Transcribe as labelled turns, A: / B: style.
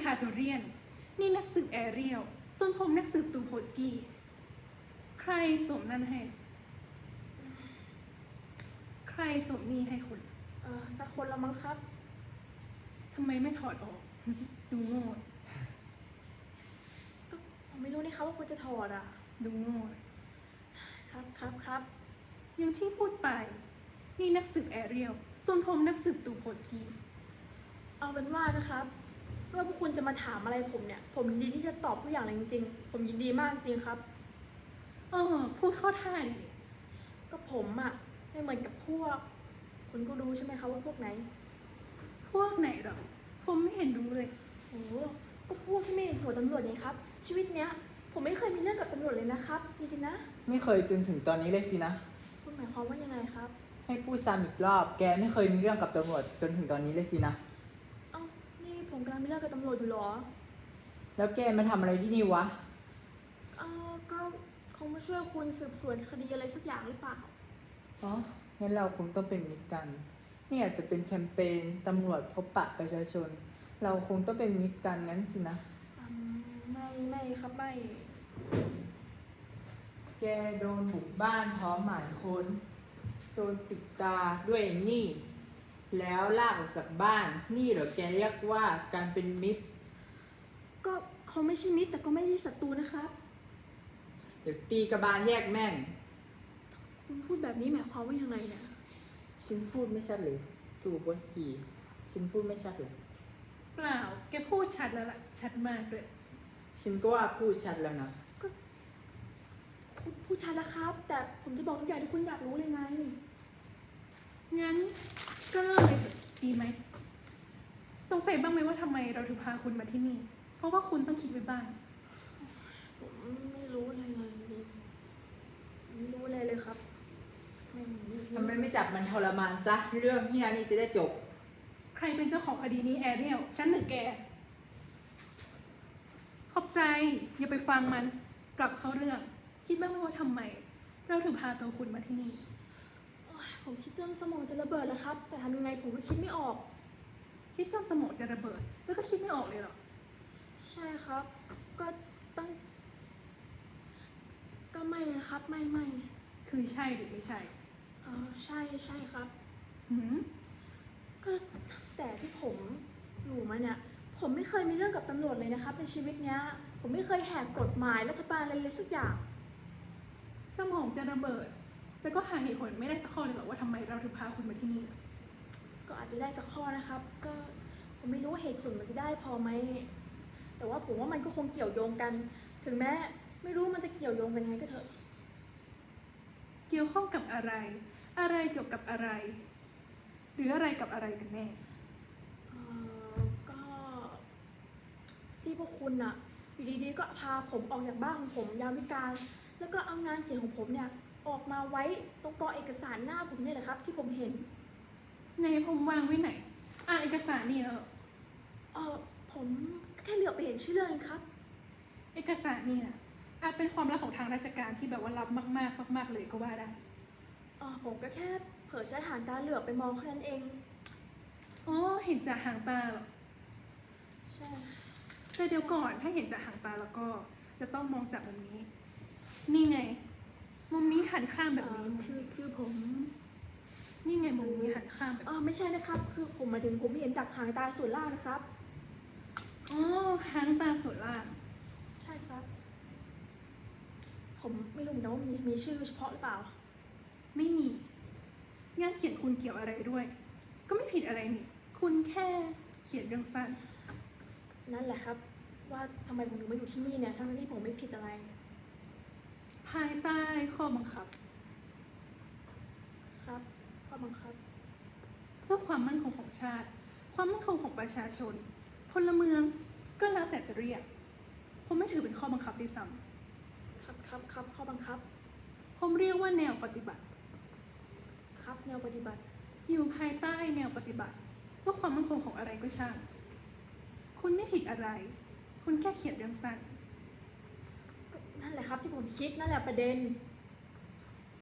A: คาโทเรียนนี่นักสืบแอเรียลส่วนผมนักสืบตูโพสกี้ใครสวมนั่นให้ใครสวมนี่ให้คุณ
B: สักคนละมั้งครับ
A: ทำไมไม่ถอดออก ดูโง่
B: ก็ผมไม่รู้นี่ครับว่าคุณจะถอดอ่ะ
A: ดูโง่
B: ครับ
A: อย่างที่พูดไปนี่นักสืบแอเรียลส่วนผมนักสืบตูโพสกี้
B: เอาเป็นว่านะครับว่าพวกคุณจะมาถามอะไรผมเนี่ยผมยินดีที่จะตอบทุกอย่างเลยจริงๆผมยินดีมากจริงครับ
A: พูดเข้าท่าดิ
B: ก็ผมอ่ะไม่เหมือนกับพวกคุณก็รู้ใช่ไหมคะว่าพวกไหน
A: พวกไหนหรอผมไม่เห็นรู้เลย
B: โอ้ก็พวกที่ไม่เห็นหัวตำรวจไงครับชีวิตเนี้ยผมไม่เคยมีเรื่องกับตำรวจเลยนะครับจริงๆนะ
C: ไม่เคยจนถึงตอนนี้เลยสินะ
B: คุณหมายความว่ายังไงครับ
C: ให้พูดซ้ำอีกรอบแกไม่เคยมีเรื่องกับตำรวจจนถึงตอนนี้เลยสินะ
B: เอ้านี่ผมกำลังมีเรื่องกับตำรวจอยู่หรอ
C: แล้วแกมาทำอะไรที่นี่วะ
B: ก็คงมาช่วยคุณสืบสวนคดีอะไรสักอย่างหรือเปล่า
C: อ๋องั้นเราคงต้องเป็นมิตรกันนี่อาจจะเป็นแคมเปญตำรวจพบปะประชาชนเราคงต้องเป็นมิตรกันงั้นสินะ
B: ไม่ครับไม่
C: แกโดนบุกบ้านพร้อมหมายค้นโดนปิดตาด้วยนี่แล้วลากออกจากบ้านนี่เหรอแกเรียกว่าการเป็นมิตร
B: ก็เขาไม่ใช่มิตรแต่ก็ไม่ใช่ศัตรูนะครับ
C: เดี๋ยวตีกระบาลแยกแม่ง
B: คุณพูดแบบนี้หมายความว่ายังไงเนี่ย
C: ฉันพูดไม่ชัดเลยตูโบสกี้ฉันพูดไม่ชัดเลย
A: เปล่าแกพูดชัดแล้วล่ะชัดมากด้วย
C: ฉันก็ว่าพูดชัดแล้วนะ
B: ก็คุณพูดชัดแล้วครับแต่ผมจะบอกทุกอย่างที่คุณอยากรู้เลยไง
A: งั้นก็เริ่มเลยดีไหมสงสัยบ้างไหมว่าทำไมเราถึงพาคุณมาที่นี่เพราะว่าคุณต้องคิดไว้บ้าง
B: ผมไม่รู้อะไรเลยจริงไม่รู้อะไรเลยครับ
C: ทำไมไม่จับมันทรมานซะเรื่องที่นานี่จะได้จบ
A: ใครเป็นเจ้าของคดีนี้แอเรียลฉันหรือแกขอบใจอย่าไปฟังมันกลับเข้าเรื่องคิดบ้างไหมว่าทำไมเราถึงพาตัวคุณมาที่นี่
B: ผมคิดจนสมองจะระเบิดแล้วครับแต่ทำยังไงผมก็คิดไม่ออก
A: คิดจนสมองจะระเบิดแล้วก็คิดไม่ออกเลยเหรอ
B: ใช่ครับก็ต้องก็ไม่นะครับไม่
A: คือใช่หรือไม่ใช่
B: ใช่ครับ
A: หื
B: ก็แต่ที่ผมอยู่มาเนี่ยผมไม่เคยมีเรื่องกับตำรวจเลยนะครับในชีวิตเนี้ยผมไม่เคยแหกกฎหมายรัฐบาลอะไรเลยสักอย่าง
A: สมองจะระเบิดแต่ก็หาเหตุผลไม่ได้สักข้อเลยหรอว่าทำไมเราถึงพาคุณมาที่นี่
B: ก็อาจจะได้สักข้อนะครับก็ผมไม่รู้ว่าเหตุผลมันจะได้พอไหมแต่ว่าผมว่ามันก็คงเกี่ยวโยงกันถึงแม้ไม่รู้มันจะเกี่ยวโยงกันยังไงก็เถอะ
A: เกี่ยวข้องกับอะไรอะไรเกี่ยวกับอะไรหรืออะไรกับอะไรกันแน่
B: ก็ที่พวกคุณอะอยู่ดีๆก็พาผมออกจากบ้านของผมยามวิกาลแล้วก็เอางานเขียนของผมเนี่ยออกมาไว้ตรงกองเอกสารหน้าผมเนี่ยแหละครับที่ผมเห็น
A: ในผมวางไว้ไหนเอกสารนี่เหรอ
B: ผมแค่เหลือบไปเห็นชื่อเรื่องเองครับ
A: เอกสารนี่นะอาจเป็นความลับของทางราชการที่แบบว่าลับมากเลยก็ว่าได้
B: ผมก็แค่เผลอใช้หางตาเหลือบไปมองแค่นั้นเอง
A: เห็นจากหางตาเหรอ
B: ใช่
A: แต่เดี๋ยวก่อนถ้าเห็นจากหางตาแล้วก็จะต้องมองจากมุมนี้นี่ไงมุมนี้หันข้างแบบนี้
B: คือผม
A: นี่ไงมุมนี้หันข้างแบบ
B: ไม่ใช่นะครับคือผมหมายถึงผมเห็นจากหางตาส่วนล่างนะครับ
A: หางตาส่วนล่าง
B: ใช่ครับผมไม่รู้นะว่ามีชื่อเฉพาะหรือเปล่า
A: ไม่มีงานเขียนคุณเกี่ยวอะไรด้วยก็ไม่ผิดอะไรนี่คุณแค่เขียนเรื่องสั้น
B: นั่นแหละครับว่าทำไมผมถึงมาอยู่ที่นี่เนี่ยทั้งที่ผมไม่ผิดอะไร
A: ภายใต้ข้อบังคับ
B: ครับข้อบังคับ
A: เพื่อความมั่นคงของชาติความมั่นคงของประชาชนพลเมืองก็แล้วแต่จะเรียกผมไม่ถือเป็นข้อบังคับด้วยซ้ำ
B: ครับข้อบังคับ
A: ผมเรียกว่าแนวปฏิบัติ
B: ครับแนวปฏิบัติ
A: อยู่ภายใต้แนวปฏิบัติว่าความมั่นคงของอะไรก็ช่างคุณไม่ผิดอะไรคุณแค่เขียนเรื่องสั้น
B: นั่นแหละครับที่ผมคิดนั่นแหละประเด็น